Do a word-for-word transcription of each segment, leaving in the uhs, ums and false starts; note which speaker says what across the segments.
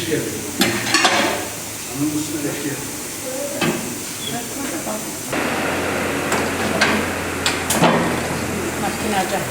Speaker 1: geldin. Anın üstüne hoş geldin.
Speaker 2: Makinacı.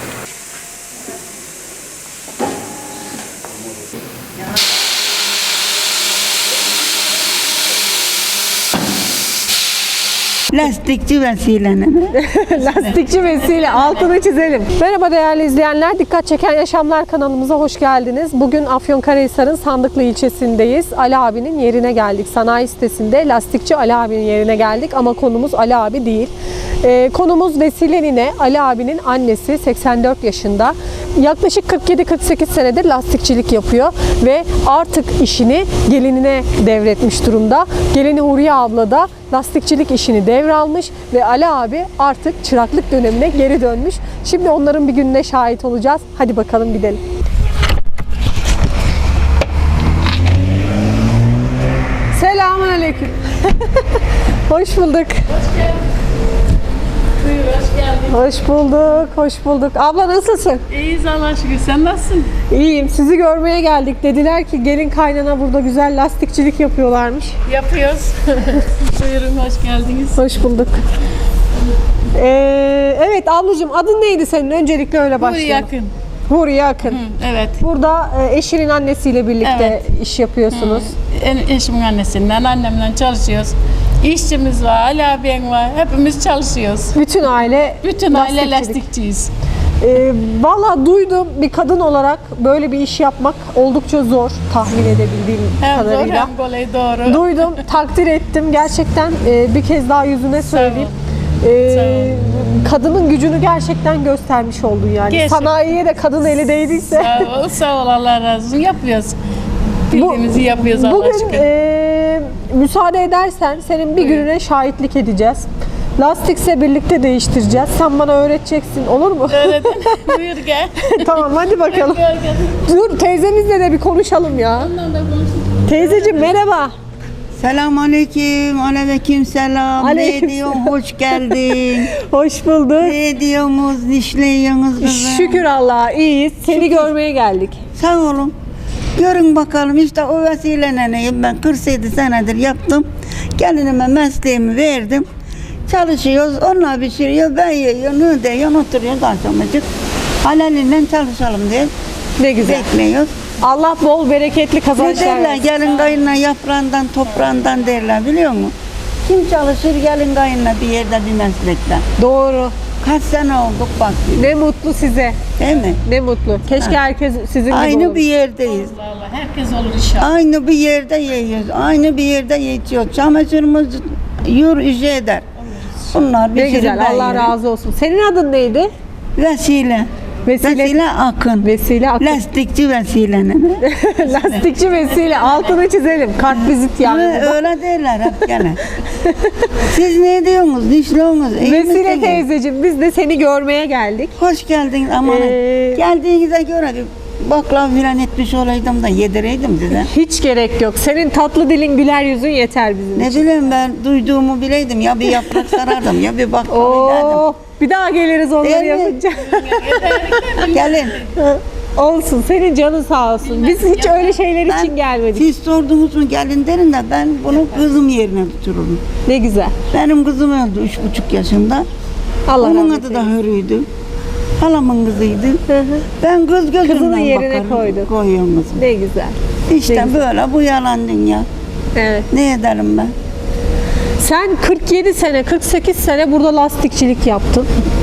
Speaker 3: Lastikçi Vesile.
Speaker 4: Lastikçi Vesile, altını çizelim. Merhaba değerli izleyenler, Dikkat Çeken Yaşamlar kanalımıza hoş geldiniz. Bugün Afyonkarahisar'ın Sandıklı ilçesindeyiz. Ali abinin yerine geldik. Sanayi sitesinde lastikçi Ali abinin yerine geldik ama konumuz Ali abi değil. Ee, konumuz Vesile Nine, Ali abinin annesi, seksen dört yaşında. Yaklaşık kırk yedi kırk sekiz senedir lastikçilik yapıyor ve artık işini gelinine devretmiş durumda. Gelini Huriye abla da lastikçilik işini devralmış ve Ali abi artık çıraklık dönemine geri dönmüş. Şimdi onların bir gününe şahit olacağız. Hadi bakalım gidelim. Selamünaleyküm. Hoş bulduk.
Speaker 2: Buyur, hoş geldin.
Speaker 4: Hoş bulduk, hoş bulduk. Abla nasılsın?
Speaker 2: İyiyiz Allah'a şükür. Sen nasılsın?
Speaker 4: İyiyim. Sizi görmeye geldik. Dediler ki gelin kaynana burada güzel lastikçilik yapıyorlarmış.
Speaker 2: Yapıyoruz. Buyurun, hoş geldiniz.
Speaker 4: Hoş bulduk. Ee, evet ablacığım, adın neydi senin? Öncelikle öyle
Speaker 2: Buyur,
Speaker 4: başlayalım.
Speaker 2: yakın.
Speaker 4: Huriye Akın.
Speaker 2: Hı, evet.
Speaker 4: Burada e, eşinin annesiyle birlikte
Speaker 2: Evet.
Speaker 4: iş yapıyorsunuz.
Speaker 2: En, eşimin annesinden, annemle çalışıyoruz. İşçimiz var, Ali abim var. Hepimiz çalışıyoruz.
Speaker 4: Bütün aile
Speaker 2: Bütün aile
Speaker 4: lastikçilik.
Speaker 2: lastikçiyiz.
Speaker 4: Ee, Valla duydum, bir kadın olarak böyle bir iş yapmak oldukça zor, tahmin edebildiğim
Speaker 2: Hem zor
Speaker 4: kadarıyla.
Speaker 2: hem kolay, doğru.
Speaker 4: Duydum, takdir ettim. Gerçekten e, bir kez daha yüzüne söyleyeyim. Ee,
Speaker 2: Sağ ol.
Speaker 4: kadının gücünü gerçekten göstermiş oldun yani.
Speaker 2: Gerçekten.
Speaker 4: Sanayiye de kadın eli değdiyse.
Speaker 2: Sağ ol, sağ ol, Allah razı olsun. Yapıyoruz. Bildiğimizi yapıyoruz Allah'a
Speaker 4: Bugün
Speaker 2: şükür.
Speaker 4: e, müsaade edersen senin bir
Speaker 2: Buyur.
Speaker 4: gününe şahitlik edeceğiz. Lastikse birlikte değiştireceğiz. Sen bana öğreteceksin, olur mu?
Speaker 2: Öyle de- Buyur gel.
Speaker 4: Tamam, hadi bakalım.
Speaker 2: Gel, gel.
Speaker 4: Dur, teyzemizle de bir konuşalım ya.
Speaker 2: Ondan da konuşuruz.
Speaker 4: Teyzeciğim merhaba.
Speaker 3: Selam aleyküm, aleyküm selam.
Speaker 4: Aleyküm
Speaker 3: Ne diyorsun, hoş geldin.
Speaker 4: Hoş bulduk.
Speaker 3: Ne diyorsunuz, nişleyiyorsunuz kızım.
Speaker 4: Şükür Allah'a iyiyiz. Seni görmeye geldik.
Speaker 3: Sağ olun. Görün bakalım, işte o vesileyle neyim ben kırk yedi senedir yaptım. Gelinime mesleğimi verdim. Çalışıyoruz, onlar pişiriyor, ben yiyorum, ne diyor, oturuyoruz akşamacık. Halalinden çalışalım diye
Speaker 4: Ne güzel.
Speaker 3: bekliyoruz.
Speaker 4: Allah bol bereketli
Speaker 3: Ne
Speaker 4: kazançlar
Speaker 3: derler,
Speaker 4: versin.
Speaker 3: gelin kayınla yaprağından, toprağından derler, biliyor musun? Kim çalışır gelin kayınla bir yerde, bir meslekte.
Speaker 4: Doğru.
Speaker 3: Kaç sene olduk bak,
Speaker 4: Ne mutlu size.
Speaker 3: değil mi?
Speaker 4: Ne mutlu. Keşke herkes sizin gibi
Speaker 3: Aynı
Speaker 4: olur.
Speaker 3: bir yerdeyiz.
Speaker 2: Allah Allah, herkes olur inşallah.
Speaker 3: Aynı bir yerde yiyoruz. Aynı bir yerde yetiyor. Çamaşırımız yur işe eder. Bunlar bir
Speaker 4: Ne güzel. Allah razı olsun. Senin adın neydi?
Speaker 3: Vesile.
Speaker 4: Vesile.
Speaker 3: Vesile Akın.
Speaker 4: Vesile Akın.
Speaker 3: Lastikçi Vesile.
Speaker 4: Lastikçi Vesile. Altını çizelim. Kartvizit yani.
Speaker 3: Ha, öyle derler hep gene. Siz ne diyorsunuz? Nişliyorsunuz? İyi
Speaker 4: Vesile
Speaker 3: misiniz?
Speaker 4: teyzeciğim, biz de seni görmeye geldik.
Speaker 3: Hoş geldiniz. Aman
Speaker 4: Ee,
Speaker 3: geldiğinize göre bir baklava filan etmiş olaydım da yedireydim size.
Speaker 4: Hiç gerek yok. Senin tatlı dilin, güler yüzün yeter bizim
Speaker 3: Ne
Speaker 4: için.
Speaker 3: bileyim, ben duyduğumu bileydim. Ya bir yaprak sarardım ya bir baklava ederdim.
Speaker 4: Oo, bir daha geliriz onları
Speaker 3: Değil mi?
Speaker 4: yapınca.
Speaker 3: Gelin.
Speaker 4: Olsun. Senin canın sağ olsun. Biz hiç öyle şeyler için gelmedik.
Speaker 3: Siz sordunuz mu gelin derin de ben bunu kızım yerine tuturum.
Speaker 4: Ne güzel.
Speaker 3: Benim kızım öldü üç buçuk yaşında.
Speaker 4: Allah
Speaker 3: Onun
Speaker 4: rahmet
Speaker 3: adı da
Speaker 4: eylesin.
Speaker 3: Hürü'ydü. Halamın kızıydı.
Speaker 4: Hı hı.
Speaker 3: Ben kız gözümden
Speaker 4: Kızını yerine
Speaker 3: bakarım.
Speaker 4: koydun.
Speaker 3: Koyuyorum kızım.
Speaker 4: Ne güzel.
Speaker 3: İşte
Speaker 4: ne
Speaker 3: böyle bu yalan dünya.
Speaker 4: Evet.
Speaker 3: Ne ederim ben?
Speaker 4: Sen kırk yedi sene, kırk sekiz sene burada lastikçilik yaptın.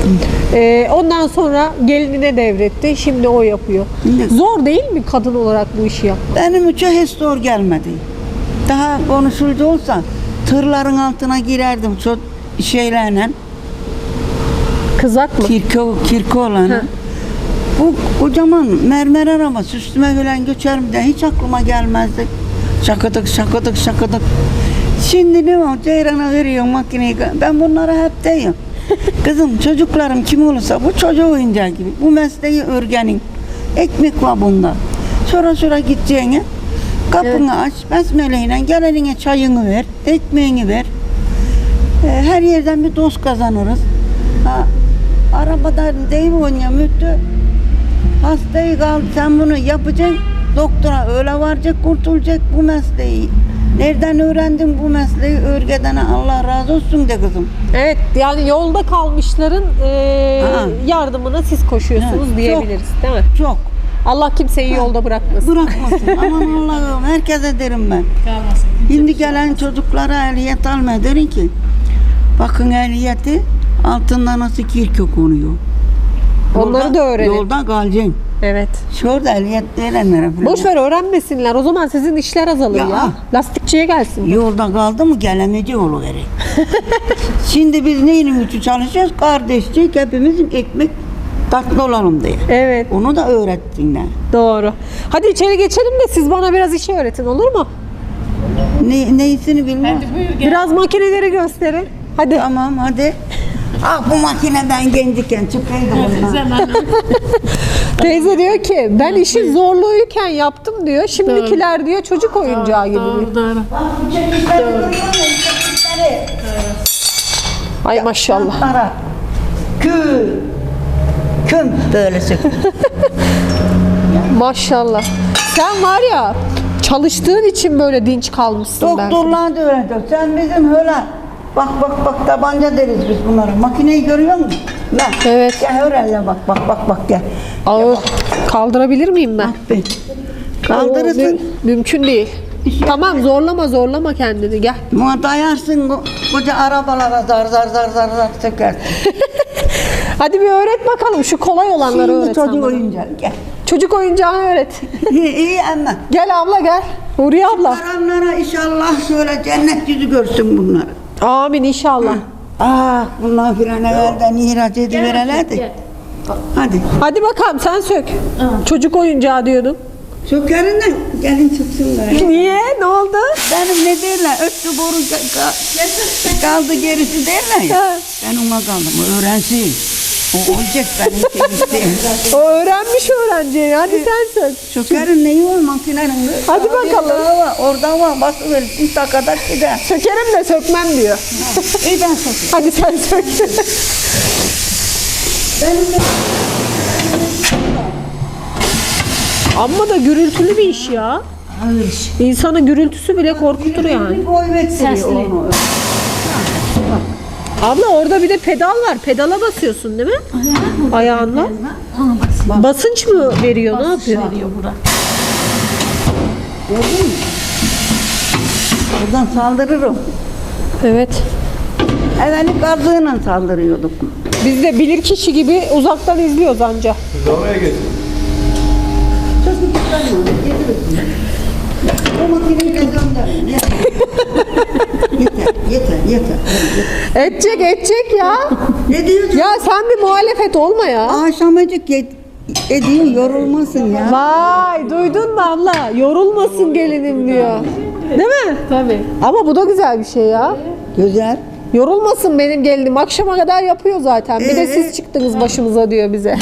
Speaker 4: Ee, ondan sonra gelinine devretti. Şimdi o yapıyor.
Speaker 3: Ne?
Speaker 4: Zor değil mi kadın olarak bu işi yapmak?
Speaker 3: Benim için hiç zor gelmedi. Daha konuşuldu olsa tırların altına girerdim çok şeylerle.
Speaker 4: Kızak mı?
Speaker 3: Kirko, kirko olanı.
Speaker 4: Hı.
Speaker 3: Bu kocaman mermer arabası üstüme falan göçerim de hiç aklıma gelmezdi. Şakıdık şakıdık şakıdık. Şimdi ne var? Ceyrana veriyor makineyi. Ben bunlara hep diyorum. Kızım çocuklarım kim olursa bu çocuğu oyuncağı gibi. Bu mesleği örgenin. Ekmek var bunda. Sonra sonra gideceğine kapını aç. Besmeleyle gel eline çayını ver. Ekmeğini ver. Ee, her yerden bir dost kazanırız. Ha, arabada deyim oynuyor müttü. Hastayı kaldı sen bunu yapacaksın. doktora öyle varacak, kurtulacak bu mesleği. Nereden öğrendin bu mesleği? Örgedene Allah razı olsun de kızım.
Speaker 4: Evet, yani yolda kalmışların e,
Speaker 3: Ha.
Speaker 4: yardımına siz koşuyorsunuz
Speaker 3: Ha,
Speaker 4: diyebiliriz, değil mi?
Speaker 3: Çok.
Speaker 4: Allah kimseyi yolda bırakmasın.
Speaker 3: Bırakmasın. Aman Allah'ım herkese derim ben.
Speaker 2: Kalmasın.
Speaker 3: Şimdi gelen çocuklara ehliyet alma derim ki bakın ehliyeti altında nasıl kirke konuyor.
Speaker 4: Onları
Speaker 3: Yolda-
Speaker 4: da öğrenin.
Speaker 3: Yolda kalacaksın.
Speaker 4: Evet.
Speaker 3: Şurada ehliyet verenlere falan.
Speaker 4: Boş ver, öğrenmesinler. O zaman sizin işler azalır ya.
Speaker 3: Ya.
Speaker 4: Lastikçiye gelsin.
Speaker 3: Yolda kaldı mı gelemeci oluverir. Şimdi biz neyin için çalışıyoruz? Kardeşçik hepimizin ekmek tatlı olalım diye.
Speaker 4: Evet,
Speaker 3: Onu da öğretsinler.
Speaker 4: doğru. Hadi içeri geçelim de siz bana biraz işi öğretin, olur mu?
Speaker 3: Ne, neyisini bilmem.
Speaker 2: Hadi buyur gel.
Speaker 4: Biraz makineleri gösterin. Hadi.
Speaker 3: Tamam hadi. Ah bu makine ben gençken çıkaydım ondan.
Speaker 2: Sen anne.
Speaker 4: Teyze diyor ki ben işi zorluğuyken yaptım diyor. Şimdikiler diyor çocuk oyuncağı gibi diyor.
Speaker 2: Doğru doğru.
Speaker 3: Bak bu çekişleri görüyor musun? Çekişleri.
Speaker 4: Ay maşallah.
Speaker 3: Para. Kül. Küm böyle sıkıyor.
Speaker 4: Maşallah. Sen var ya çalıştığın için böyle dinç kalmışsın belki.
Speaker 3: Doktorlar da öyle diyor. Sen bizim öyle bak bak bak tabanca deriz biz bunlara. Makineyi görüyor musun? Lan.
Speaker 4: Evet.
Speaker 3: Gel öyle bak bak bak bak gel.
Speaker 4: Ağır. Kaldırabilir miyim ben?
Speaker 3: Bak be. Kaldırırsın.
Speaker 4: O mü- mümkün değil. Tamam, zorlama zorlama kendini, gel.
Speaker 3: Buna dayarsın ko- koca arabalara zar zar zar zar zar sökersin.
Speaker 4: Hadi bir öğret bakalım, şu kolay olanları
Speaker 3: Şimdi
Speaker 4: öğret. sen
Speaker 3: çocuk
Speaker 4: bana.
Speaker 3: oyuncağı gel.
Speaker 4: Çocuk oyuncağını öğret.
Speaker 3: İyi, iyi ama.
Speaker 4: Gel abla gel. Huriye abla.
Speaker 3: Karanlara inşallah şöyle cennet yüzü görsün bunlar.
Speaker 4: Amin inşallah.
Speaker 3: Ah bunlar bir an evvelden ihraç ediverelerdi. Hadi.
Speaker 4: Hadi bakalım sen sök. Çocuk oyuncağı diyordun.
Speaker 3: Sökerin de gelin çıksınlar.
Speaker 4: Niye? Ne oldu?
Speaker 3: Benim ne derler? Öttü boru ka- ka- kaldı gerisi derler ya.
Speaker 4: Ha.
Speaker 3: Ben ona kaldım. O öğrensin. O olacak benim temizliğim.
Speaker 4: O öğrenmiş öğrenci. Hadi sen sök.
Speaker 3: Sökerin neyi var makinenin?
Speaker 4: Hadi bakalım.
Speaker 3: Orada var, orada var. Basıverirsin takadak gider.
Speaker 4: Sökerim de sökmem diyor.
Speaker 3: İyi ben sökeyim.
Speaker 4: Hadi sen sök.
Speaker 3: Benim de
Speaker 4: Amma da gürültülü bir iş ya. İnsanın gürültüsü bile korkutur yani.
Speaker 3: bir boy vettiriyor onu.
Speaker 4: Abla orada bir de pedal var. Pedala basıyorsun değil mi? Ayağınla. Basınç mı veriyor? Ne yapıyor?
Speaker 2: Veriyor bura.
Speaker 3: Gördün mü? Buradan saldırırım.
Speaker 4: Evet.
Speaker 3: Evveli gazığıyla saldırıyorduk.
Speaker 4: Biz de bilir kişi gibi uzaktan izliyoruz anca.
Speaker 3: O makineyi de gönderin. Yeter, yeter, yeter.
Speaker 4: Edecek edecek ya.
Speaker 3: Ne diyorsun?
Speaker 4: Ya sen bir muhalefet olma ya.
Speaker 3: Akşamacık yet, ediyor, yorulmasın ya.
Speaker 4: Vay duydun mu abla? Yorulmasın gelinim diyor. Değil mi?
Speaker 2: Tabii.
Speaker 4: Ama bu da güzel bir şey ya.
Speaker 3: Güzel.
Speaker 4: Yorulmasın benim gelinim. Akşama kadar yapıyor zaten. Bir de
Speaker 3: Ee?
Speaker 4: siz çıktınız başımıza diyor bize.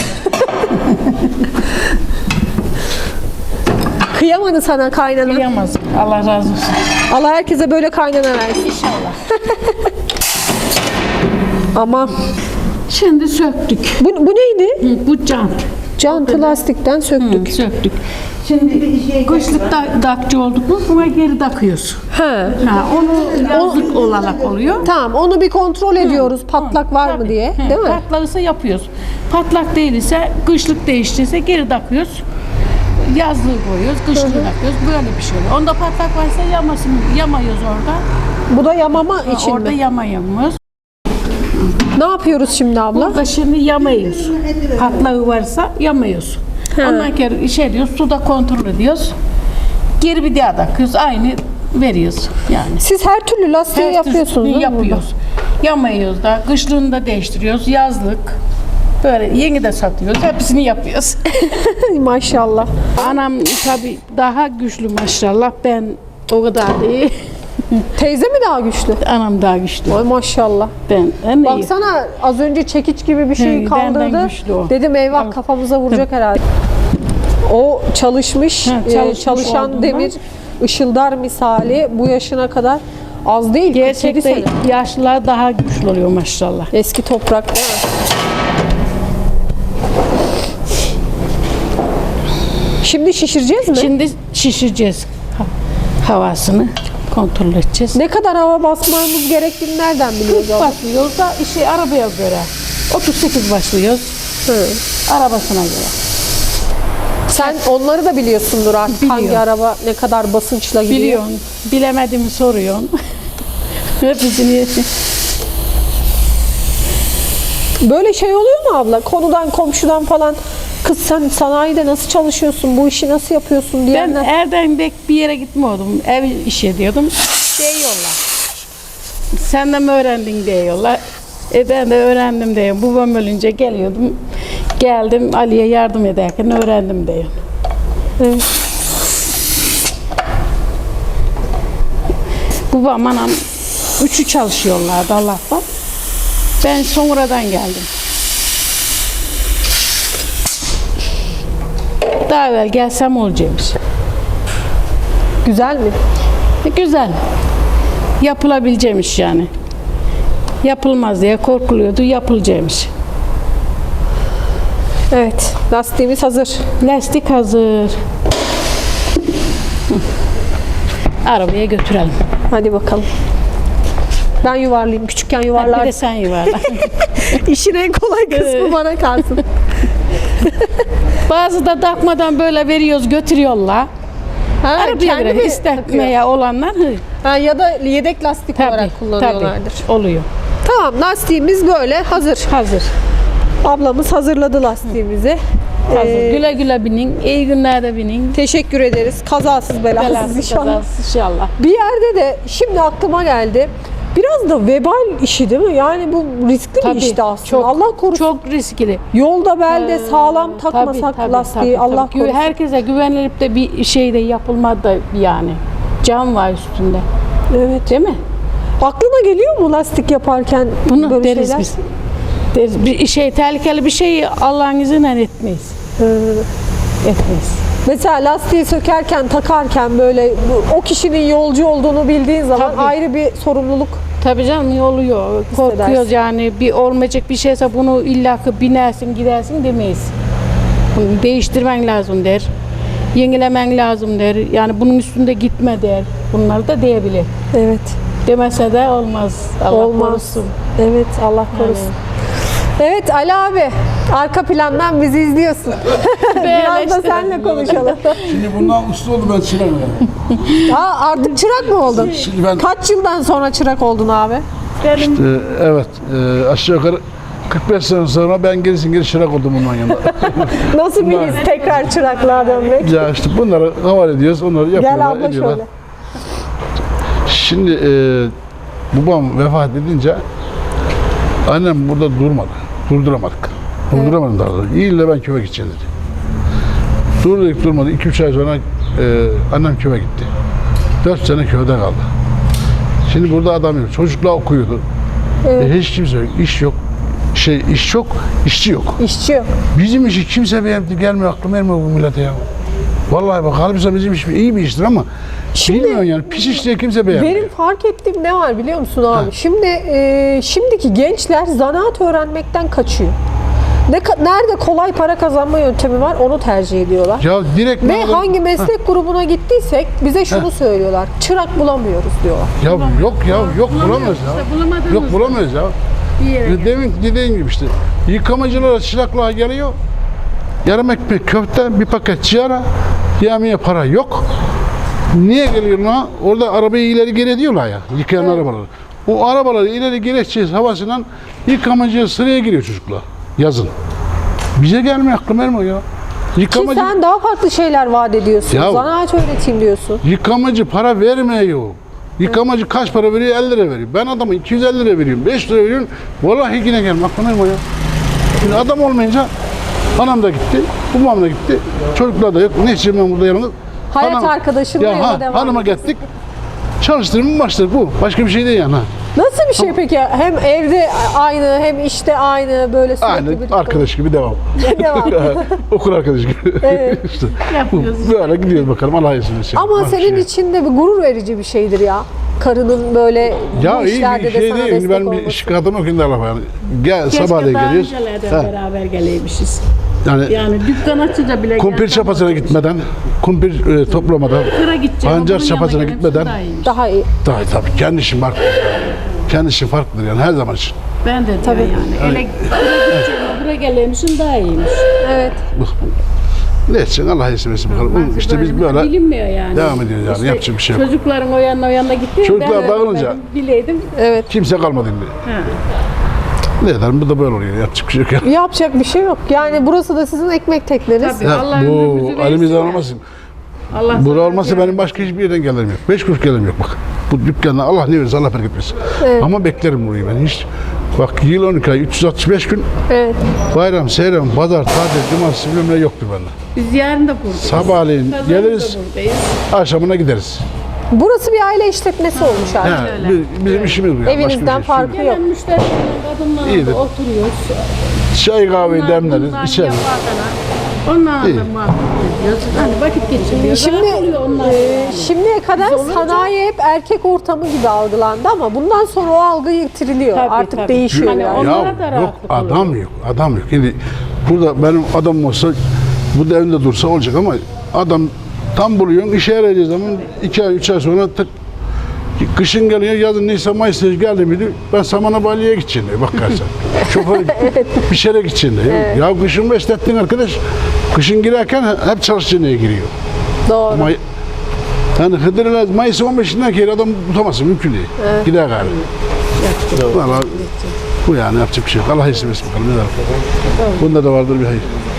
Speaker 4: Kıyamadı sana kaynana.
Speaker 2: Kıyamaz. Allah razı olsun.
Speaker 4: Allah herkese böyle kaynana versin.
Speaker 2: İnşallah.
Speaker 4: Ama
Speaker 2: Şimdi söktük.
Speaker 4: bu, bu neydi?
Speaker 2: Hı, Bu can.
Speaker 4: Jantı lastikten söktük.
Speaker 2: Hı, söktük.
Speaker 3: Şimdi bir şey
Speaker 2: Kışlık da, dakçı olduk mu buna geri takıyoruz.
Speaker 4: Ha.
Speaker 2: Ha, onu yazlık olarak oluyor.
Speaker 4: Tamam, onu bir kontrol ediyoruz. Patlak var mı
Speaker 2: Tabii.
Speaker 4: diye,
Speaker 2: Hı,
Speaker 4: değil mi?
Speaker 2: Patlaksa yapıyoruz. Patlak değilse, kışlık değiştiyse geri takıyoruz. Yazlığı koyuyoruz, kışlığı takıyoruz. Böyle bir şey oluyor. Onda patlak varsa yamasın, yamayız orada.
Speaker 4: Bu da yamama için
Speaker 2: orada
Speaker 4: mi?
Speaker 2: yamayamıyoruz.
Speaker 4: Ne yapıyoruz şimdi abla?
Speaker 2: Burada şimdi yamayız. Patlağı varsa yamayız.
Speaker 4: He.
Speaker 2: Ondan sonra içeriyoruz, suda kontrol ediyoruz. Geri bir daha takıyoruz, aynı veriyoruz yani.
Speaker 4: Siz her türlü lastiği
Speaker 2: Her
Speaker 4: yapıyorsunuz
Speaker 2: türlü
Speaker 4: değil mi
Speaker 2: yapıyoruz. Yamayıyoruz da, kışlığını da değiştiriyoruz, yazlık. Böyle yeni de satıyoruz, hepsini yapıyoruz.
Speaker 4: burada? Maşallah.
Speaker 2: Anam tabii daha güçlü maşallah, ben o kadar değil.
Speaker 4: Teyze mi daha güçlü?
Speaker 2: Anam daha güçlü.
Speaker 4: Ay maşallah.
Speaker 2: Ben en iyi.
Speaker 4: Baksana az önce çekiç gibi bir şey
Speaker 2: He, benden
Speaker 4: kaldırdı.
Speaker 2: güçlü o.
Speaker 4: Dedim eyvah kafamıza vuracak herhalde. O çalışmış,
Speaker 2: Ha,
Speaker 4: e,
Speaker 2: çalışmış
Speaker 4: çalışan
Speaker 2: olduğundan.
Speaker 4: demir ışıldar misali bu yaşına kadar az değil. kırk yedi
Speaker 2: Gerçekten
Speaker 4: sene.
Speaker 2: yaşlılar daha güçlü oluyor maşallah.
Speaker 4: Eski toprak değil mi? Şimdi şişireceğiz mi?
Speaker 2: Şimdi şişireceğiz ha- havasını kontrol edeceğiz.
Speaker 4: Ne kadar hava basmamız gerektiğini nereden biliyoruz? abla?
Speaker 2: Başlıyoruz da işi arabaya göre. otuz sekiz başlıyoruz.
Speaker 4: Hı.
Speaker 2: Arabasına göre.
Speaker 4: Sen onları da biliyorsundur artık.
Speaker 2: Biliyorum.
Speaker 4: Hangi araba ne kadar basınçla gidiyor.
Speaker 2: Biliyorsun. Bilemediğimi soruyorsun. Hepsini
Speaker 4: Böyle şey oluyor mu abla? Konudan komşudan falan kız sen sanayide nasıl çalışıyorsun? Bu işi nasıl yapıyorsun
Speaker 2: ben
Speaker 4: diyenler.
Speaker 2: Erden bek bir yere gitmiyordum. Ev iş ediyordum. Diyorlar. Sen de mi öğrendin diyorlar. E ben de öğrendim diyor. Babam ölünce geliyordum. Geldim Ali'ye yardım ederken öğrendim diyor.
Speaker 4: Evet.
Speaker 2: Babam anam üçü çalışıyorlardı Allah'tan. Ben sonradan geldim. Daha evvel gelsem olacakmış.
Speaker 4: Güzel mi?
Speaker 2: E, Güzel. Yapılabileceğimiş yani. Yapılmaz diye korkuluyordu, yapılacakmış.
Speaker 4: Evet. Lastiğimiz hazır.
Speaker 2: Lastik hazır. Hı. Arabaya götürelim.
Speaker 4: Hadi bakalım. Ben yuvarlayayım. Küçükken
Speaker 2: Bir
Speaker 4: yuvarlardım.
Speaker 2: de sen yuvarla.
Speaker 4: İşin en kolay kısmı bana kalsın.
Speaker 2: Bazı da takmadan böyle veriyoruz, götürüyorlar.
Speaker 4: Ha,
Speaker 2: Arabaya
Speaker 4: kendi
Speaker 2: göre
Speaker 4: mi
Speaker 2: istekmeye olanlar hı,
Speaker 4: takıyor? Ha, ya da yedek lastik
Speaker 2: tabii,
Speaker 4: olarak kullanıyorlardır.
Speaker 2: tabii, oluyor.
Speaker 4: Tamam, lastiğimiz böyle hazır.
Speaker 2: Hazır.
Speaker 4: Ablamız hazırladı lastiğimizi.
Speaker 2: Hazır.
Speaker 4: Ee,
Speaker 2: güle güle binin. İyi günlerde binin.
Speaker 4: Teşekkür ederiz. Kazasız belasız
Speaker 2: Belasız
Speaker 4: inşallah.
Speaker 2: kazasız inşallah.
Speaker 4: Bir yerde de şimdi aklıma geldi. Biraz da vebal işi değil mi? Yani bu riskli bir işti aslında.
Speaker 2: çok,
Speaker 4: Allah korusun.
Speaker 2: Çok riskli.
Speaker 4: Yolda belde sağlam
Speaker 2: Tabii,
Speaker 4: takmasak
Speaker 2: tabii,
Speaker 4: lastiği
Speaker 2: tabii,
Speaker 4: Allah
Speaker 2: tabii.
Speaker 4: korusun.
Speaker 2: Herkese güvenilip de bir şey de yapılmadı da yani. Can var üstünde.
Speaker 4: Evet.
Speaker 2: Değil mi?
Speaker 4: Aklına geliyor mu lastik yaparken
Speaker 2: Bunu
Speaker 4: böyle
Speaker 2: deriz
Speaker 4: şeyler?
Speaker 2: biz. Deriz. Bir şey tehlikeli bir şeyi Allah'ın izniyle etmeyiz.
Speaker 4: Ee,
Speaker 2: Etmeyiz.
Speaker 4: Mesela lastiği sökerken, takarken böyle bu- o kişinin yolcu olduğunu bildiğin zaman
Speaker 2: Tabii.
Speaker 4: ayrı bir sorumluluk.
Speaker 2: Tabii canım oluyor. Korkuyoruz
Speaker 4: Hissedersin.
Speaker 2: yani bir olmayacak bir şeyse bunu illaki binersin gidersin demeyiz. Bunu değiştirmen lazım der. Yenilemen lazım der. Yani bunun üstünde gitme der. Bunları da diyebilir.
Speaker 4: Evet.
Speaker 2: Demese de olmaz. Allah
Speaker 4: Olmaz.
Speaker 2: korusun.
Speaker 4: Evet, Allah korusun. Evet Ali abi, arka plandan bizi izliyorsun. Biraz da
Speaker 2: işte.
Speaker 4: seninle konuşalım.
Speaker 1: Şimdi bundan usta oldu ben çırak yani.
Speaker 4: Aa, artık çırak mı oldun?
Speaker 1: Şimdi ben-
Speaker 4: Kaç yıldan sonra çırak oldun abi?
Speaker 2: Benim
Speaker 1: Ee, evet e, aşağı yukarı kırk beş sene sonra ben gerisin geri çırak oldum bundan yanında.
Speaker 4: Nasıl bir his tekrar çıraklığa dönmek?
Speaker 1: Ya işte bunları havale ediyoruz, onları yapıyorlar,
Speaker 4: Gel abla
Speaker 1: ediyorlar.
Speaker 4: şöyle.
Speaker 1: Şimdi e, babam vefat edince annem burada durmadı. Durduramadık. Durduramadım daha doğrusu. İyi de ben köye gideceğim dedi. Durdurduk durmadı. iki üç ay sonra e, annem köye gitti. dört sene köyde kaldı. Şimdi burada adam yok. Çocuklar okuyordu. E, hiç kimse yok. İş yok. Şey iş çok, işçi yok.
Speaker 4: İşçi yok.
Speaker 1: Bizim işi kimse beğendi gelmiyor, aklım ermiyor bu millete ya. Vallahi bak halbuki bizim iş iyi bir iştir ama
Speaker 4: Şimdi-
Speaker 1: bilmiyorum yani pis iş diye kimse beğenmiyor.
Speaker 4: Benim fark ettiğim ne var biliyor musun abi? Şimdi e, şimdiki gençler zanaat öğrenmekten kaçıyor. Ne ka- nerede kolay para kazanma yöntemi var onu tercih ediyorlar.
Speaker 1: Ya direkt
Speaker 4: Ve
Speaker 1: ne adam-
Speaker 4: hangi meslek grubuna gittiysek bize şunu söylüyorlar. Çırak bulamıyoruz diyorlar.
Speaker 1: Ya yok ya yok bulamayız
Speaker 2: işte,
Speaker 1: ya.
Speaker 2: bulamadığımız
Speaker 1: Yok bulamayız ya.
Speaker 2: bir yere
Speaker 1: Demin dediğin gibi işte yıkamacılara çıraklığa geliyor. Yarım ekmek köfte, bir paket sigara, yemeğe para yok. Niye geliyorlar? Orada arabayı ileri geri ediyorlar ya, yıkayan arabaları. O arabaları ileri geri edeceğiz havasıyla yıkamacıya sıraya giriyor çocuklar yazın. Bize gelmiyor aklım ermiyor ya.
Speaker 4: Ki
Speaker 1: Yıkamacı,
Speaker 4: sen daha farklı şeyler vaat ediyorsun.
Speaker 1: Ya-
Speaker 4: Zanaat öğreteyim diyorsun.
Speaker 1: yıkamacı para vermiyor. Yıkamacı kaç para veriyor? elli lira veriyor. Ben adama iki yüz elli lira veriyorum, beş lira veriyorum. Vallahi yine gelmiyor aklım ermiyor ya. Şimdi adam olmayınca anam da gitti, babam da gitti. Çocuklar da yok. Ne için ben burada yalnız?
Speaker 4: Hayat arkadaşınla yola
Speaker 1: ha,
Speaker 4: devam
Speaker 1: hanıma gittik. Çalıştırma başladık bu. Başka bir şey değil yani. Ha.
Speaker 4: Nasıl bir şey peki? Hem evde aynı hem işte aynı böyle sürekli
Speaker 1: Aynı
Speaker 4: birlikte-
Speaker 1: arkadaş gibi devam.
Speaker 4: Devam.
Speaker 1: Okul arkadaşı gibi.
Speaker 4: Evet.
Speaker 1: işte, bu,
Speaker 2: yapıyoruz.
Speaker 1: böyle gidiyoruz bakalım. Allah izin versin.
Speaker 4: Ama
Speaker 1: Başka
Speaker 4: senin
Speaker 1: şey.
Speaker 4: için de bir gurur verici bir şeydir ya. Karının böyle
Speaker 1: Ya
Speaker 4: bu
Speaker 1: iyi
Speaker 4: işlerde
Speaker 1: bir
Speaker 4: de
Speaker 1: şey
Speaker 4: sana
Speaker 1: değil.
Speaker 4: destek
Speaker 1: Ben bir
Speaker 4: olması.
Speaker 1: iş kadını okuyun da Allah yani. Gel
Speaker 2: Keşke
Speaker 1: sabahleyin
Speaker 2: daha
Speaker 1: geliyoruz.
Speaker 2: öncelerden
Speaker 1: Ha.
Speaker 2: beraber geleymişiz.
Speaker 1: Yani,
Speaker 2: Yani dükkan açınca bile
Speaker 1: kumpir
Speaker 2: gelsem
Speaker 1: çapasına
Speaker 2: olacak.
Speaker 1: gitmeden, kumpir e, toplamada,
Speaker 2: Kıra gideceğim.
Speaker 1: pancar
Speaker 2: bunun
Speaker 1: çapasına
Speaker 2: yanına
Speaker 1: gitmeden
Speaker 2: gelmesi daha iyiymiş.
Speaker 4: Daha iyi.
Speaker 1: daha tabii kendi işin farklı. Kendi işin farklıdır yani her zaman için.
Speaker 2: Ben de tabii yani. Ele kıra gideceğim. Buraya gelmişim daha iyiymiş.
Speaker 4: Evet.
Speaker 1: Ne için Allah izin versin bakalım.
Speaker 2: Bazı
Speaker 1: İşte biz
Speaker 2: bölümde
Speaker 1: böyle
Speaker 2: bilinmiyor yani.
Speaker 1: devam ediyoruz yani, yapacak bir şey yok.
Speaker 2: Çocukların o yanına o yanına gitti.
Speaker 1: Çocuklar
Speaker 2: ben
Speaker 1: dağılınca-
Speaker 2: öğrenmedim, bileydim.
Speaker 4: Evet.
Speaker 1: kimse kalmadı şimdi.
Speaker 2: Ha.
Speaker 1: Ne ederim bu da böyle oluyor. Yapacak bir şey yok ya.
Speaker 4: Yapacak bir şey yok. Yani burası da sizin ekmek tekneniz.
Speaker 2: Tabii.
Speaker 1: Ya,
Speaker 2: Allah
Speaker 1: bu
Speaker 2: ömrümüzü versin
Speaker 1: elimizden
Speaker 2: ya.
Speaker 1: olmasın.
Speaker 2: Allah
Speaker 1: Bura
Speaker 2: sana
Speaker 1: olmasa
Speaker 2: yani.
Speaker 1: benim başka hiçbir yerden gelirim yok. Beş kuruş gelirim yok bak. Bu dükkandan Allah ne verirse Allah bereket versin.
Speaker 4: Evet.
Speaker 1: Ama beklerim burayı ben hiç. Bak yıl on iki ay üç yüz altmış beş gün
Speaker 4: Evet.
Speaker 1: bayram, seyran, pazar, tatil, cumartesi bilmem ne yoktur bende.
Speaker 2: Biz yarın da buradayız.
Speaker 1: Sabahleyin
Speaker 2: Pazarda da
Speaker 1: geliriz,
Speaker 2: buradayız.
Speaker 1: akşamına gideriz.
Speaker 4: Burası bir aile işletmesi olmuş artık.
Speaker 1: Ha,
Speaker 2: öyle.
Speaker 1: bi- bizim işimiz bu. Yani. Başka bir
Speaker 4: Evinizden
Speaker 1: şey
Speaker 4: farkı
Speaker 1: yok.
Speaker 4: yok.
Speaker 2: Gelen müşterilerle kadınlarla
Speaker 1: İyidir.
Speaker 2: da oturuyoruz.
Speaker 1: Çay kahveyi
Speaker 2: Bunlar-
Speaker 1: demleriz,
Speaker 2: bunlar
Speaker 1: içeriz.
Speaker 2: yaparlar. Onlarla
Speaker 1: İyi.
Speaker 2: da muhabbet ediyoruz. Hani vakit geçiriyoruz.
Speaker 4: Şimdi
Speaker 2: Rahat oluyor onlar.
Speaker 4: e,
Speaker 2: yani.
Speaker 4: şimdiye kadar sanayi hep erkek ortamı gibi algılandı ama bundan sonra o algı yitiriliyor.
Speaker 2: Tabii,
Speaker 4: Artık
Speaker 2: tabii.
Speaker 4: değişiyor
Speaker 2: Hani
Speaker 4: yani.
Speaker 2: on- Onlara
Speaker 1: Ya
Speaker 2: da
Speaker 1: yok
Speaker 2: rahatlık
Speaker 1: adam yok, adam yok. Şimdi burada benim adamım olsa bu da evinde dursa olacak ama adam tam buluyorsun işe yarayacağı zaman iki ay üç ay sonra tık kışın geliyor yazın Nisan Mayıs'ta geldi miydi ben Samana Bali'ye gideceğim diyor bak karşıya. Şoför bir şeye gideceğim diyor. Ya kışın beslettin arkadaş kışın girerken hep çalışacağına giriyor.
Speaker 4: Doğru.
Speaker 1: Ama yani Hıdır'la Mayıs'ın on beşinden kere adam tutamazsın mümkün değil. Gider galiba. Valla bu yani yapacak bir şey yok. Allah izin versin bakalım ne der. Bunda da vardır bir hayır.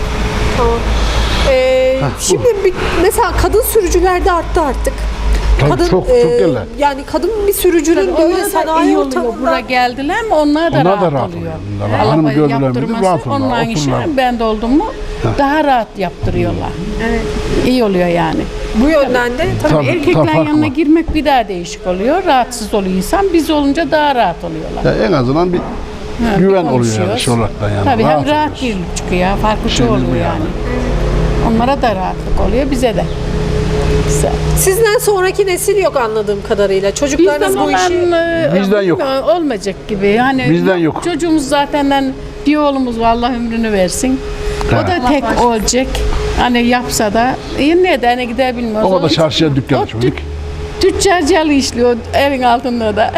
Speaker 4: Ee, şimdi bir, mesela kadın sürücüler de arttı artık.
Speaker 1: Tabii
Speaker 4: Kadın,
Speaker 1: çok,
Speaker 4: e,
Speaker 1: çok gelirler.
Speaker 4: Yani kadın bir sürücünün
Speaker 2: Onlar
Speaker 4: böyle
Speaker 2: da
Speaker 4: sanayi
Speaker 2: iyi oluyor. Buraya
Speaker 4: ortamında
Speaker 2: geldiler mi onlar da
Speaker 1: Onlar
Speaker 2: rahat,
Speaker 1: da rahat
Speaker 2: oluyor.
Speaker 1: oluyor. Bunlar
Speaker 2: Allah
Speaker 1: hanım gördüler miydi,
Speaker 2: yaptırması,
Speaker 1: rahat olurlar,
Speaker 2: onların işi
Speaker 1: otururlar.
Speaker 2: ben de oldum mu daha rahat yaptırıyorlar. İyi oluyor yani.
Speaker 4: bu yönden de tabii,
Speaker 1: Tabii,
Speaker 2: Erkeklerin
Speaker 1: tabii, fark
Speaker 2: yanına
Speaker 1: var.
Speaker 2: girmek bir daha değişik oluyor. Rahatsız oluyor insan. Biz olunca daha rahat oluyorlar.
Speaker 1: Ya en azından bir
Speaker 2: Ha,
Speaker 1: güven
Speaker 2: bir
Speaker 1: oluyor yani
Speaker 2: konuşuyoruz.
Speaker 1: şey olarak da yani.
Speaker 2: Tabii hem
Speaker 1: Rahat
Speaker 2: rahat
Speaker 1: oluyoruz.
Speaker 2: bir çıkıyor. Farklı şey
Speaker 1: Şeyimiz bu
Speaker 2: oluyor
Speaker 1: yani.
Speaker 2: yani. Onlara da rahatlık oluyor. Bize de. Güzel.
Speaker 4: sizden sonraki nesil yok anladığım kadarıyla. Çocuklarınız
Speaker 2: Bizden
Speaker 4: bu işi...
Speaker 2: olan e,
Speaker 1: Bizden yok.
Speaker 2: olmayacak gibi. Yani
Speaker 1: Bizden yok.
Speaker 2: Çocuğumuz zaten bir oğlumuz var Allah ömrünü versin. O
Speaker 1: Evet.
Speaker 2: da tek olacak. Hani yapsa da e, nereden gider bilmiyoruz.
Speaker 1: O da
Speaker 2: Onun için-
Speaker 1: çarşıya dükkan
Speaker 2: O
Speaker 1: açmadık.
Speaker 2: tü- Tüccarcalı işliyor evin altında da.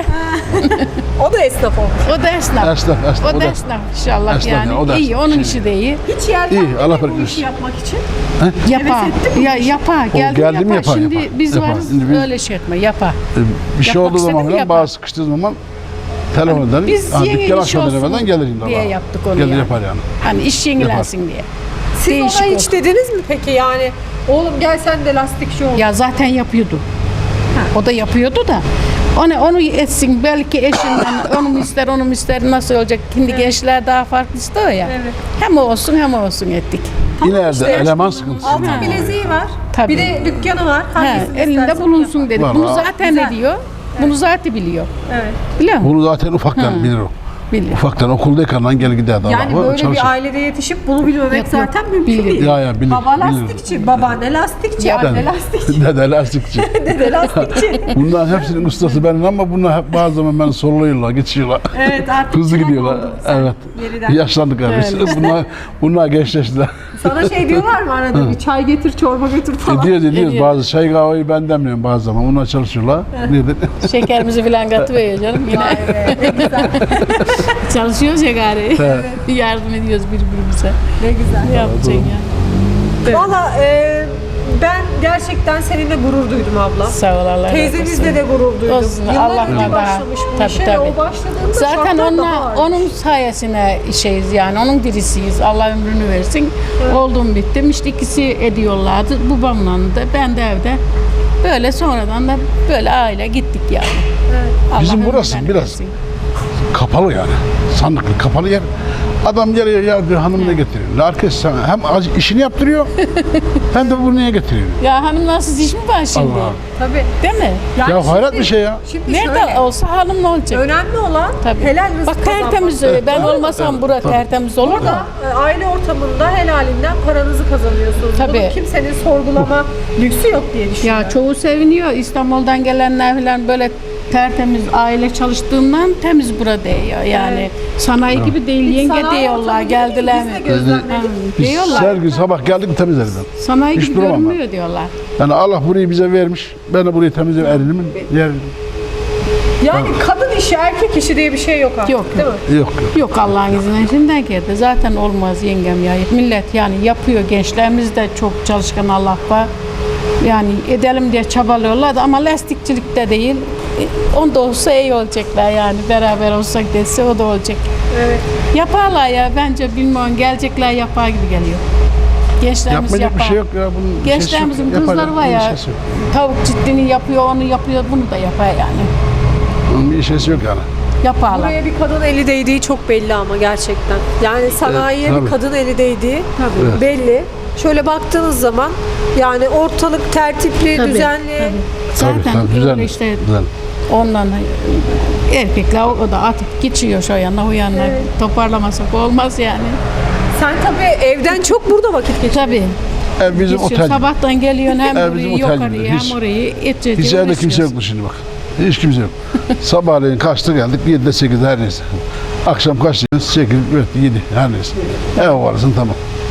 Speaker 4: O da esnaf olmuş.
Speaker 2: O da esnaf.
Speaker 1: Esnaf, esnaf.
Speaker 2: O da esnaf inşallah
Speaker 1: Esnaf
Speaker 2: yani.
Speaker 1: yani, o da
Speaker 2: iyi,
Speaker 1: esnaf.
Speaker 2: onun
Speaker 1: Şey-
Speaker 2: işi de iyi.
Speaker 4: Hiç yeltenmedi
Speaker 1: İyi, Allah
Speaker 4: bu
Speaker 1: bereket
Speaker 4: işi
Speaker 1: versin.
Speaker 4: yapmak için.
Speaker 2: Yapar. Ya yapar.
Speaker 1: O
Speaker 2: Geldi,
Speaker 1: geldi mi
Speaker 2: yapar.
Speaker 1: yapar,
Speaker 2: Şimdi
Speaker 1: yapar.
Speaker 2: biz
Speaker 1: Yapar.
Speaker 2: varız
Speaker 1: Şimdi biz-
Speaker 2: öyle şey etme. Yapar.
Speaker 1: Bir şey
Speaker 2: Yapmak
Speaker 1: olduğu zaman
Speaker 2: istedi mi
Speaker 1: falan
Speaker 2: yapar.
Speaker 1: bazı sıkıştığı zaman telefon ederim.
Speaker 2: Biz
Speaker 1: Ha,
Speaker 2: yeni
Speaker 1: dükkan
Speaker 2: iş
Speaker 1: açmadan
Speaker 2: olsun
Speaker 1: evvelden gelirim.
Speaker 2: diye
Speaker 1: vallahi.
Speaker 2: yaptık onu
Speaker 1: Gelir
Speaker 2: yani.
Speaker 1: yapar yani.
Speaker 2: Hani iş yenilensin diye.
Speaker 4: Siz
Speaker 2: Değişik
Speaker 4: ona hiç
Speaker 2: olsun.
Speaker 4: dediniz mi peki yani? Oğlum gel sen de lastikçi ol.
Speaker 2: Ya zaten yapıyordu. O da yapıyordu da. Onu, onu etsin belki eşinden onu mu ister onu mu ister nasıl olacak. Şimdi gençler daha farklı istiyor ya.
Speaker 4: Evet.
Speaker 2: Hem o olsun hem o olsun ettik.
Speaker 1: İleride
Speaker 4: işte
Speaker 1: eleman sıkıntısı.
Speaker 4: Altın
Speaker 2: Ha.
Speaker 4: bileziği var.
Speaker 2: Tabii.
Speaker 4: Bir de dükkanı var.
Speaker 2: He,
Speaker 4: Hangisini
Speaker 2: elinde
Speaker 4: istersen
Speaker 2: bulunsun
Speaker 4: yapar.
Speaker 2: dedi.
Speaker 1: Vallahi.
Speaker 2: Bunu zaten
Speaker 4: Güzel.
Speaker 2: ediyor. Bunu zaten biliyor.
Speaker 4: Evet.
Speaker 2: Biliyor musun?
Speaker 1: Bunu zaten ufaktan bilir o.
Speaker 2: Biliyor.
Speaker 1: Ufaktan okuldayken lan gel giderdi.
Speaker 4: Yani
Speaker 1: Allah,
Speaker 4: böyle
Speaker 1: çalışır.
Speaker 4: bir ailede yetişip bunu bilmemek
Speaker 2: Yok, yok.
Speaker 4: zaten mümkün
Speaker 2: Bilir.
Speaker 4: değil.
Speaker 1: Ya, ya, bilir,
Speaker 4: Baba
Speaker 1: bilir.
Speaker 4: lastikçi, babaanne lastikçi,
Speaker 2: Ya,
Speaker 4: anne lastikçi,
Speaker 1: Dede lastikçi.
Speaker 4: dede lastikçi.
Speaker 1: Bunların hepsinin ustası benim ama bunlar hep bazı zaman beni soruluyorlar, geçiyorlar.
Speaker 4: Evet artık
Speaker 1: Hızlı
Speaker 4: çırak
Speaker 1: gidiyorlar.
Speaker 4: oldun sen
Speaker 1: Evet.
Speaker 4: yeniden.
Speaker 1: Yaşlandık abi. Bunlar, bunlar gençleştiler.
Speaker 4: Sana şey diyorlar mı arada bir çay getir, çorba götür falan.
Speaker 1: Ediyoruz ediyoruz.
Speaker 2: Ediyor.
Speaker 1: Bazı çay kahveyi ben demliyorum bazı zaman. Onlar çalışıyorlar. Nedir?
Speaker 2: Şekerimizi filan katıveriyor canım yine.
Speaker 4: Ne güzel,
Speaker 2: Çalışıyoruz ya gari. Yardım ediyoruz birbirimize.
Speaker 4: ne güzel.
Speaker 2: Ne yapacaksın ya?
Speaker 4: Valla e, ben gerçekten seninle gurur duydum abla.
Speaker 2: Sağ ol Allah razı olsun.
Speaker 4: Teyzemizle de gurur duydum.
Speaker 2: Olsun,
Speaker 4: Yıllar
Speaker 2: Allah
Speaker 4: önce
Speaker 2: daha-
Speaker 4: başlamış bu
Speaker 2: tabii,
Speaker 4: işe.
Speaker 2: tabii.
Speaker 4: O başladığında
Speaker 2: Zaten
Speaker 4: şartlar daha
Speaker 2: onunla,
Speaker 4: ağırdı.
Speaker 2: onun sayesine şeyiz yani onun dirisiyiz. Allah ömrünü versin. Oldum bittim. İşte ikisi ediyorlardı. Babamla da ben de evde. Böyle sonradan da böyle aile gittik yani. Allah
Speaker 1: Bizim
Speaker 2: ömrünü
Speaker 1: burası biraz
Speaker 2: versin.
Speaker 1: kapalı yani. Sandıklı kapalı yer. Adam geliyor ya diyor hanım ne getiriyor? Herkes sana hem ac- işini yaptırıyor hem de bunu niye getiriyor?
Speaker 2: Ya hanımlarsız iş mi var şimdi?
Speaker 1: Allah.
Speaker 4: Tabii.
Speaker 2: Değil mi?
Speaker 4: Yani
Speaker 1: Ya hayret
Speaker 4: şimdi-
Speaker 1: bir şey ya.
Speaker 4: Şimdi
Speaker 2: Nerede
Speaker 4: şöyle,
Speaker 2: olsa hanım ne olacak?
Speaker 4: önemli olan
Speaker 2: Tabii.
Speaker 4: helal rızık
Speaker 2: Bak tertemiz
Speaker 4: kazanmak.
Speaker 2: ben olmasam bura tertemiz olur da.
Speaker 4: E, aile ortamında helalinden paranızı kazanıyorsunuz.
Speaker 2: Tabii.
Speaker 4: Bunu kimsenin sorgulama lüksü yok diye düşünüyorum.
Speaker 2: Ya çoğu seviniyor. İstanbul'dan gelenler falan böyle tertemiz aile çalıştığından temiz bura değiyor. Yani sanayi gibi değil. Yenge
Speaker 4: Sanayi
Speaker 2: diyorlar
Speaker 4: ortamı
Speaker 2: geldiler
Speaker 4: gibi
Speaker 2: mi?
Speaker 4: biz de gözlemledik.
Speaker 2: Ha,
Speaker 1: Biz
Speaker 2: diyorlar.
Speaker 1: her gün sabah geldik mi temizleriz ben.
Speaker 2: Sanayi
Speaker 1: Hiç
Speaker 2: gibi
Speaker 1: duramam ben.
Speaker 2: görünmüyor diyorlar.
Speaker 1: Yani Allah burayı bize vermiş. Ben de burayı temizleyip elimi yer.
Speaker 4: Yani kadın işi, erkek işi diye bir şey yok artık.
Speaker 2: Yok,
Speaker 4: Değil
Speaker 2: yok.
Speaker 4: mi?
Speaker 1: Yok yok.
Speaker 2: Yok Allah'ın izniyle şimdiden geldi. Zaten olmaz yengem ya. Millet yani yapıyor. Gençlerimiz de çok çalışkan Allah var. Yani edelim diye çabalıyorlar da ama lastikçilikte değil. E, Onda olsa iyi olacaklar yani. Beraber olsak dese o da olacak.
Speaker 4: Evet.
Speaker 2: Yaparlar ya bence bilmiyorum. Gelecekler yapar gibi geliyor. Gençlerimiz
Speaker 1: Yapmayacak
Speaker 2: yapar.
Speaker 1: bir şey yok ya. Bunun
Speaker 2: Gençlerimizin
Speaker 1: şeysi yok.
Speaker 2: kızları var
Speaker 1: Yapacak
Speaker 2: ya.
Speaker 1: bir şeysi yok.
Speaker 2: Tavuk ciddini yapıyor, onu yapıyor, bunu da yapar yani.
Speaker 1: Bunun bir şeysi yok yani.
Speaker 2: Yaparlar.
Speaker 4: Buraya bir kadın eli değdiği çok belli ama gerçekten. Yani sanayiye
Speaker 1: Evet,
Speaker 4: bir
Speaker 1: tabii.
Speaker 4: kadın eli değdiği
Speaker 2: Tabii.
Speaker 4: belli. Şöyle baktığınız zaman yani ortalık tertipli,
Speaker 2: Tabii,
Speaker 4: düzenli.
Speaker 2: tabii.
Speaker 1: Tabii,
Speaker 2: Zaten
Speaker 1: tabii,
Speaker 2: öyle
Speaker 1: düzenli,
Speaker 2: işte
Speaker 1: düzenli.
Speaker 2: ondan erkekler o da atıp geçiyor şu yana o yana.
Speaker 4: Evet.
Speaker 2: Toparlamasak olmaz yani.
Speaker 4: Sen tabii evden çok burada vakit geçiriyorsun.
Speaker 2: Tabii.
Speaker 1: Ev bizim
Speaker 2: Geçiyor.
Speaker 1: otel.
Speaker 2: Sabahtan geliyorsun hem
Speaker 1: Ev
Speaker 2: burayı
Speaker 1: bizim otel
Speaker 2: yukarıya
Speaker 1: gibi.
Speaker 2: hem
Speaker 1: Hiç-
Speaker 2: orayı edeceğiz.
Speaker 1: Hiç evde kimse yoktu şimdi bak. Hiç kimse yok. Sabahleyin kaçta geldik? yedide sekizde her neyse. Akşam kaçta? sekiz, yedi her neyse. Ev varsın tamam.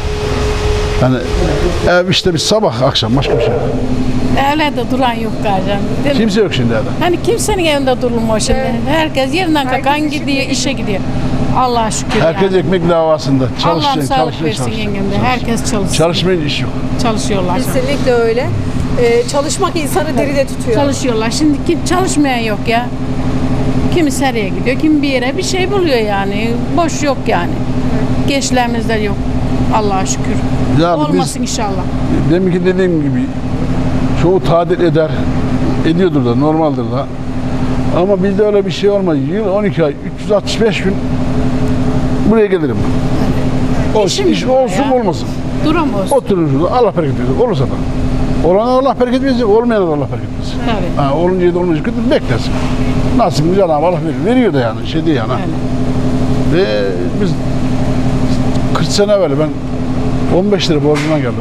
Speaker 1: Yani ev işte bir sabah akşam başka bir şey yok.
Speaker 2: Evlerde duran yok galiba. Değil mi?
Speaker 1: Kimse yok şimdi evde.
Speaker 2: Hani kimsenin evinde durulmuyor şimdi.
Speaker 4: Evet.
Speaker 2: Herkes yerinden
Speaker 4: Herkes
Speaker 2: kalkan
Speaker 4: işe
Speaker 2: gidiyor, işe gidiyor. Allah'a şükür
Speaker 1: Herkes
Speaker 2: yani.
Speaker 1: ekmek davasında.
Speaker 2: Allah'ım
Speaker 1: Çalışacak,
Speaker 2: sağlık
Speaker 1: çalışacak,
Speaker 2: versin
Speaker 1: çalışacak.
Speaker 2: yengem de. Herkes çalışsın.
Speaker 1: Çalışmayın iş yok.
Speaker 2: Çalışıyorlar.
Speaker 4: Kesinlikle öyle. Ee, çalışmak insanı deride tutuyor.
Speaker 2: Çalışıyorlar. Şimdi kim çalışmayan yok ya. Kimi seriye gidiyor, kimi bir yere bir şey buluyor yani. Boş yok yani. Gençlerimizde yok. Allah'a şükür.
Speaker 1: Ya
Speaker 2: Olmasın inşallah.
Speaker 1: Demin ki dediğim gibi çoğu tadil eder. Ediyordur da normaldir da. Ama bizde öyle bir şey olmaz. Yıl on iki ay, üç yüz altmış beş gün buraya gelirim. Olsun,
Speaker 2: İşim
Speaker 1: iş
Speaker 2: bu
Speaker 1: olsun
Speaker 2: ya.
Speaker 1: olmasın.
Speaker 2: Duram olsun.
Speaker 1: Oturur şurada Allah bereket versin. Olursa da. Olana Allah bereket versin, olmayana da Allah bereket versin.
Speaker 2: Tabii.
Speaker 1: Ha, olunca da olmayacak kötü beklersin. Nasibini Cenab-ı Allah veriyor. Veriyor da yani, şey değil yani. ha.
Speaker 2: Öyle.
Speaker 1: Ve biz kırk sene evvel ben on beş lira borcuma geldim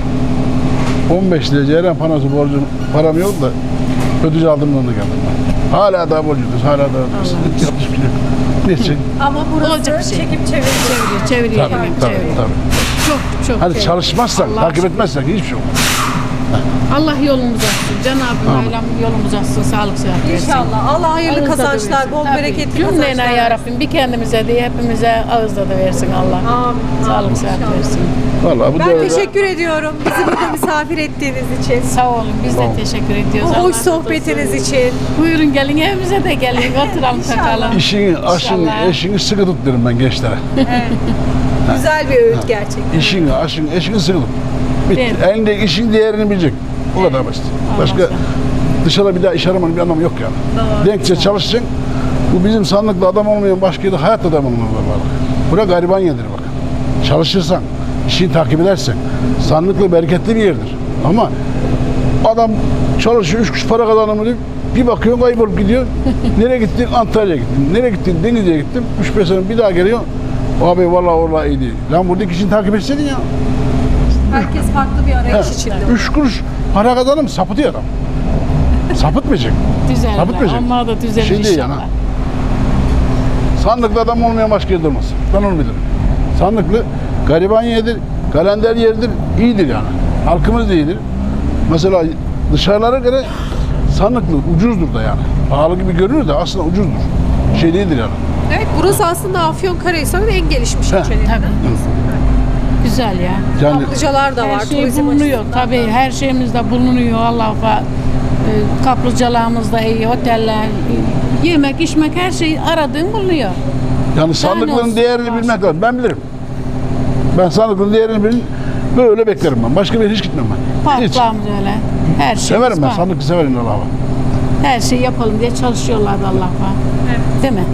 Speaker 1: buraya. on beş lira ceyran panosu borcum, param yok da ödücü aldığımdan da geldim ben. Hala daha borcuyuz, hala daha yapmış bir şey yok. Neyse.
Speaker 4: Ama burası
Speaker 2: Olacak bir şey.
Speaker 4: çekip çeviriyor.
Speaker 2: Çeviriyor, çeviriyor.
Speaker 1: Tabii,
Speaker 2: hemen,
Speaker 1: tabii,
Speaker 2: çeviriyor.
Speaker 1: tabii.
Speaker 2: Çok çok.
Speaker 1: Hani
Speaker 2: çeviriyor.
Speaker 1: çalışmazsak,
Speaker 2: Allah
Speaker 1: takip
Speaker 2: şükür.
Speaker 1: etmezsek hiçbir şey yok.
Speaker 2: Allah yolumuzu açsın. Cenab-ı Mevlam yolumuzu açsın. Sağlık sıhhat versin.
Speaker 4: İnşallah. Allah hayırlı
Speaker 2: Ağızda da
Speaker 4: kazançlar,
Speaker 2: versin.
Speaker 4: bol
Speaker 2: Tabii.
Speaker 4: bereketli
Speaker 2: Cümlene
Speaker 4: kazançlar.
Speaker 2: ya Rabbim bir kendimize de hepimize ağızda da versin Allah.
Speaker 4: Amin.
Speaker 2: Sağlık
Speaker 4: Amin.
Speaker 2: sıhhat
Speaker 4: İnşallah.
Speaker 2: versin.
Speaker 1: Vallahi bu
Speaker 4: Ben
Speaker 1: devirde
Speaker 4: teşekkür ediyorum bizi burada misafir ettiğiniz için.
Speaker 2: Sağ olun. Biz de teşekkür ediyoruz.
Speaker 4: Bu
Speaker 2: Allah
Speaker 4: hoş
Speaker 2: razı
Speaker 4: sohbetiniz
Speaker 2: olsun.
Speaker 4: için.
Speaker 2: Buyurun gelin evimize de gelin. Oturalım takalım.
Speaker 1: işini, aşını,
Speaker 2: İnşallah.
Speaker 1: eşini sıkı tut derim ben gençlere.
Speaker 4: Güzel bir öğüt gerçekten.
Speaker 1: İşini, aşını, eşini sıkı tut. Bitti.
Speaker 2: Değil mi?
Speaker 1: Elindeki işin değerini bilecek. O kadar basit. Başka
Speaker 2: Anladım.
Speaker 1: dışarıda bir daha iş aramanın bir anlamı yok yani.
Speaker 4: Doğru.
Speaker 1: Denkçe çalışacaksın. Bu bizim sandıklı adam olmayan başka yerde hayatta adam olmaz var. Bura gariban yerdir bak. Çalışırsan, işini takip edersen sandıklı bereketli bir yerdir. Ama adam çalışıyor, üç kuruş para kazanamıyor. Bir bakıyorsun kaybolup gidiyor. Nereye gittin? Antalya'ya gittim. Nereye gittin? Denizli'ye gittim. Üç beş sene bir daha geliyor. Abi vallahi vallahi iyi değil. Lan buradaki işini takip etseydin ya.
Speaker 4: Herkes farklı bir arayış içinde.
Speaker 1: Üç kuruş para kazanım sapıtıyor adam. Sapıtmayacak.
Speaker 2: Düzeller.
Speaker 1: Sapıtmayacak.
Speaker 2: Onlar da düzelir
Speaker 1: Şey değil yani.
Speaker 2: inşallah.
Speaker 1: Sandıklı adam olmayan başka yerde olmaz. Ben onu bilirim. Sandıklı gariban yerdir, kalender yerdir, iyidir yani. Halkımız da iyidir. Mesela dışarılara göre sandıklı ucuzdur da yani. Pahalı gibi görünür de aslında ucuzdur. Şey değildir yani.
Speaker 4: Evet, burası aslında Afyonkarahisar'ın en gelişmiş
Speaker 1: Heh.
Speaker 4: ilçelerinden.
Speaker 2: Tabii. Güzel ya.
Speaker 1: Yani
Speaker 4: Kaplıcalar da var.
Speaker 2: Her şey
Speaker 4: turizm
Speaker 2: bulunuyor.
Speaker 4: açısından.
Speaker 2: Tabii her şeyimiz de bulunuyor. Allah'a e, kaplıcalarımız da iyi, oteller, e, yemek, içmek her şey aradığın bulunuyor.
Speaker 1: yani sandıklının
Speaker 2: olsun,
Speaker 1: değerini
Speaker 2: var.
Speaker 1: bilmek lazım. Ben bilirim. Ben sandıklının değerini bilin, böyle beklerim ben. Başka bir yere hiç gitmem ben. Hiç.
Speaker 2: Parklarımız öyle. Her şey
Speaker 1: Severim ben,
Speaker 2: var.
Speaker 1: sandıklı severim Allah'a.
Speaker 2: Her şeyi yapalım diye çalışıyorlardı Allah'a.
Speaker 4: Evet.
Speaker 2: Değil mi?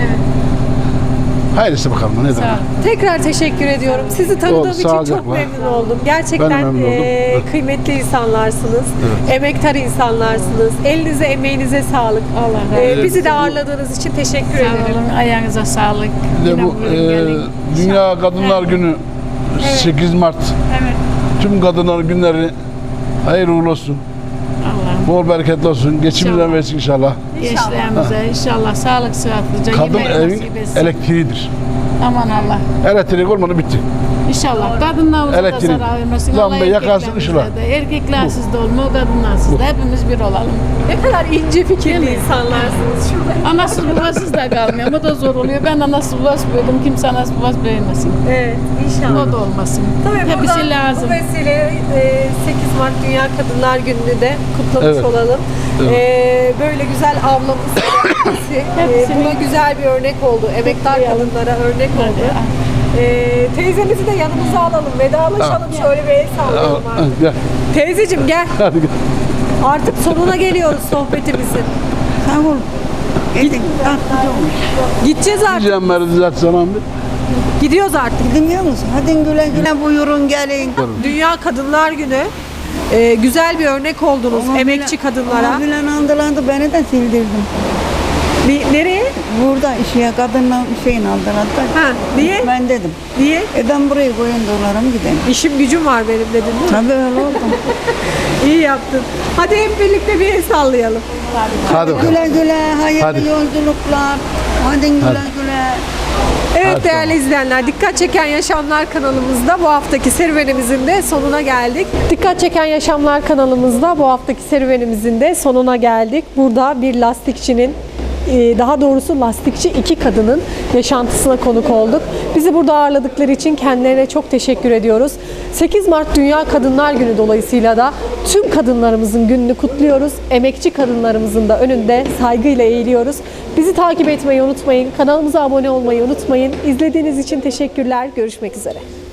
Speaker 1: Hayırlısı bakalım ne
Speaker 2: Sağ
Speaker 1: demek.
Speaker 2: olun.
Speaker 4: Tekrar teşekkür ediyorum. Sizi tanıdığım
Speaker 1: Oldu,
Speaker 4: için çok
Speaker 1: sağlıcakla.
Speaker 4: memnun oldum.
Speaker 1: Ben
Speaker 4: Gerçekten
Speaker 1: de memnun oldum.
Speaker 4: eee, kıymetli insanlarsınız.
Speaker 1: Evet.
Speaker 4: Emektar insanlarsınız. Elinize, emeğinize sağlık.
Speaker 2: Allah razı
Speaker 4: Eee,
Speaker 2: olsun.
Speaker 4: bizi de ağırladığınız için teşekkür
Speaker 2: Sağ
Speaker 4: ederim.
Speaker 2: olun. Ayağınıza sağlık.
Speaker 1: Bir de
Speaker 2: Yine
Speaker 1: bu
Speaker 2: buyurun,
Speaker 1: e,
Speaker 2: gelin.
Speaker 1: Dünya Kadınlar Günü sekiz Mart.
Speaker 4: Evet.
Speaker 1: Tüm kadınlar günleri hayırlı uğurlu olsun.
Speaker 2: Allah'ım
Speaker 1: Bol bereketli olsun. Geçimden
Speaker 2: İnşallah.
Speaker 1: versin inşallah.
Speaker 2: gençlerimize inşallah sağlık sıhhatlıca
Speaker 1: Kadın
Speaker 2: yemeği
Speaker 1: evin
Speaker 2: nasip etsin.
Speaker 1: elektriğidir.
Speaker 2: Aman Allah.
Speaker 1: Elektrik olmadı bitti.
Speaker 2: İnşallah kadınlarımıza da
Speaker 1: Elektrik.
Speaker 2: zarar vermesin.
Speaker 1: Lambayı
Speaker 2: Allah
Speaker 1: yakarsın,
Speaker 2: erkeklerimize
Speaker 1: ışıla.
Speaker 2: de. Erkeklersiz de olma, kadınlarsız da. Hepimiz bir olalım.
Speaker 4: Ne kadar ince fikirli insanlarsınız. Şurada.
Speaker 2: Anasız babasız da kalmıyor. O da zor oluyor. Ben anasız babasız büyüdüm. Kimse anasız babasız büyümesin.
Speaker 4: Evet, inşallah.
Speaker 2: O da olmasın.
Speaker 4: Tabii
Speaker 2: Hepsi
Speaker 4: buradan
Speaker 2: lazım.
Speaker 4: bu vesileyle e, sekiz Mart Dünya Kadınlar Günü'nü de kutlamış
Speaker 1: Evet.
Speaker 4: olalım.
Speaker 1: Evet.
Speaker 4: E, böyle güzel ablamız hepsi, e,
Speaker 2: Hepsini-
Speaker 4: buna güzel bir örnek oldu. Emektar
Speaker 2: Kutlayalım.
Speaker 4: kadınlara örnek oldu.
Speaker 2: Hadi.
Speaker 4: E, teyzemizi de yanımıza alalım, vedalaşalım, şöyle bir el sallayalım artık.
Speaker 1: Gel.
Speaker 4: Teyzeciğim gel.
Speaker 1: Hadi gel.
Speaker 4: Artık sonuna geliyoruz sohbetimizin.
Speaker 3: Sağ ol. Gidin. Tatlıcı olmuş.
Speaker 4: Gideceğiz artık.
Speaker 1: Diyeceğim Merdi zaten sana bir.
Speaker 4: Gidiyoruz artık.
Speaker 3: Dinliyor musun? Hadi güle güle buyurun gelin.
Speaker 4: Dünya Kadınlar Günü. E, güzel bir örnek oldunuz
Speaker 3: Ama
Speaker 4: emekçi
Speaker 3: bile-
Speaker 4: kadınlara.
Speaker 3: Ama bilen andılandı beni de sildirdim.
Speaker 4: Bir, nereye?
Speaker 3: Burada işe kadınla şeyin aldılar da.
Speaker 4: Ha, niye?
Speaker 3: Ben dedim.
Speaker 4: Niye?
Speaker 3: E ben buraya koyun dolarım gideyim.
Speaker 4: İşim gücüm var benim dedin değil mi?
Speaker 3: Tabii öyle oldu.
Speaker 4: İyi yaptın. Hadi hep birlikte bir el sallayalım.
Speaker 1: Hadi bakalım.
Speaker 3: Güle güle hayırlı
Speaker 1: Hadi.
Speaker 3: yolculuklar. Hadi güle
Speaker 1: Hadi.
Speaker 3: güle.
Speaker 4: Evet
Speaker 1: Hadi
Speaker 4: değerli
Speaker 1: tamam.
Speaker 4: izleyenler, Dikkat Çeken Yaşamlar kanalımızda bu haftaki serüvenimizin de sonuna geldik. Dikkat Çeken Yaşamlar kanalımızda bu haftaki serüvenimizin de sonuna geldik. Burada bir lastikçinin, e, daha doğrusu lastikçi iki kadının yaşantısına konuk olduk. Bizi burada ağırladıkları için kendilerine çok teşekkür ediyoruz. sekiz Mart Dünya Kadınlar Günü dolayısıyla da tüm kadınlarımızın gününü kutluyoruz. Emekçi kadınlarımızın da önünde saygıyla eğiliyoruz. Bizi takip etmeyi unutmayın. Kanalımıza abone olmayı unutmayın. İzlediğiniz için teşekkürler. Görüşmek üzere.